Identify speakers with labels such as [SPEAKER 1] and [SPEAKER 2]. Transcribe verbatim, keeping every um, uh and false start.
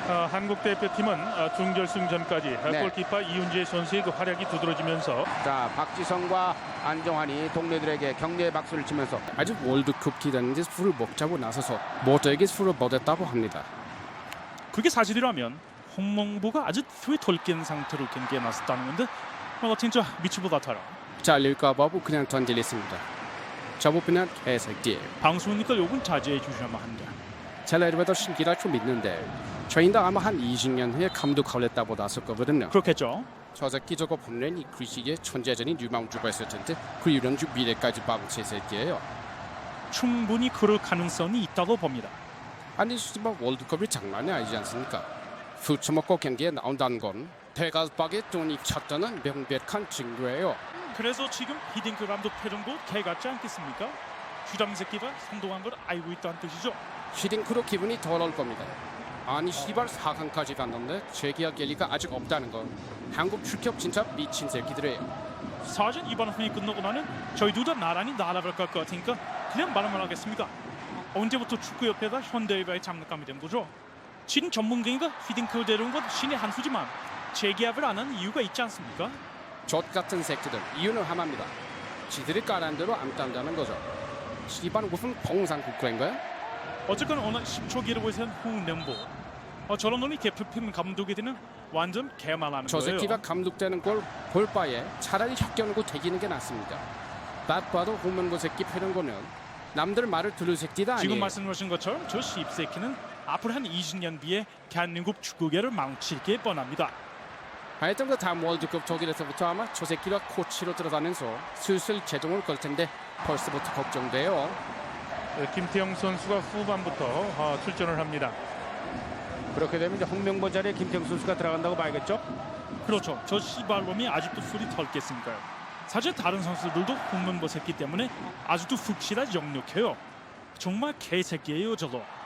[SPEAKER 1] 어, 한국 대표팀은 어, 준결승전까지 어,
[SPEAKER 2] 네.
[SPEAKER 1] 골키퍼 이훈재 선수의 그 활약이 두드러지면서
[SPEAKER 2] 자, 박지성과 안정환이 동료들에게 격려의 박수를 치면서 아직 월드컵 기다리는데 술을 먹자고 나서서 모두에게 술을 먹였다고 합니다.
[SPEAKER 3] 그게 사실이라면 홍명보가 아주 후에 덜깬 상태로 경기에 나섰다는 건데 어, 진짜 미치고 같아요.
[SPEAKER 2] 잘릴까 봐고 그냥 던질렸습니다. 저보면 개새끼.
[SPEAKER 3] 방송이니까 요건 자제해 주셔야만 한다.
[SPEAKER 2] 젤레르베도 신기라 좀 있는데 저희도 아마 한 이십 년 후에 감독 걸렸다고 나설 거거든요.
[SPEAKER 3] 그렇겠죠.
[SPEAKER 2] 저 새끼 저거 보면 이 글씨에 천재전이 유망주가 있을 텐데 그 유망주 미래까지 방치 새끼예요.
[SPEAKER 3] 충분히 그럴 가능성이 있다고 봅니다.
[SPEAKER 2] 아니 씨발 월드컵이 장난이 아니지 않습니까? 술 처먹고 경기에 나온다는 건 대가박에 돈이 찼다는 명백한 증거예요.
[SPEAKER 3] 그래서 지금 히딩크 감독 표정도 개 같지 않겠습니까? 주장 새끼가 선동한 걸 알고 있다는 뜻이죠.
[SPEAKER 2] 히딩크로 기분이 더러울 겁니다. 아니 씨발 사 강까지 갔는데 재계약 계리가 아직 없다는 건 한국 출격 진짜 미친 새끼들이에요.
[SPEAKER 3] 사전 이번 회의 끝나고 나면 저희 둘 다 나란히 날아갈 것 같으니까 그냥 말만 하겠습니다. 언제부터 축구협회가 현대일보에 장난감이 된 거죠? 진 전문가인가 히딩크를 데려온 건 신의 한 수지만 재계약을 안 하는 이유가 있지 않습니까?
[SPEAKER 2] 젖 같은 새끼들 이유는 하나입니다. 지들이 까란 대로 안 딴다는 거죠. 씨발 무슨 봉상 국가인가요?
[SPEAKER 3] 어쨌건 어느 십 초 기록을 세운 홍명보 어, 저런 놈이 대표팀 감독이 되는 완전 개만하는
[SPEAKER 2] 저
[SPEAKER 3] 거예요.
[SPEAKER 2] 새끼가 감독되는 걸 볼 바에 차라리 혀겨누고 대기는 게 낫습니다. 딱 봐도 홍명보 새끼 패는 거는 남들 말을 들을 새끼다 아니에요.
[SPEAKER 3] 지금 말씀하신 것처럼 저 씹새끼는 앞으로 한 이십 년 뒤에 대한민국 축구계를 망치게 뻔합니다.
[SPEAKER 2] 하여튼 그 다음 월드컵 독일에서부터 아마 저 새끼가 코치로 들어가면서 슬슬 제동을 걸 텐데 벌써부터 걱정돼요.
[SPEAKER 1] 어, 김태형 선수가 후반부터 어, 출전을 합니다.
[SPEAKER 2] 그렇게 되면 이제 홍명보 자리에 김태형 선수가 들어간다고 봐야겠죠?
[SPEAKER 3] 그렇죠. 저 씨발놈이 아직도 술이 덜 깼으니까요. 사실 다른 선수들도 홍명보 새끼 때문에 아직도 훅시다 역력해요. 정말 개새끼예요 저도.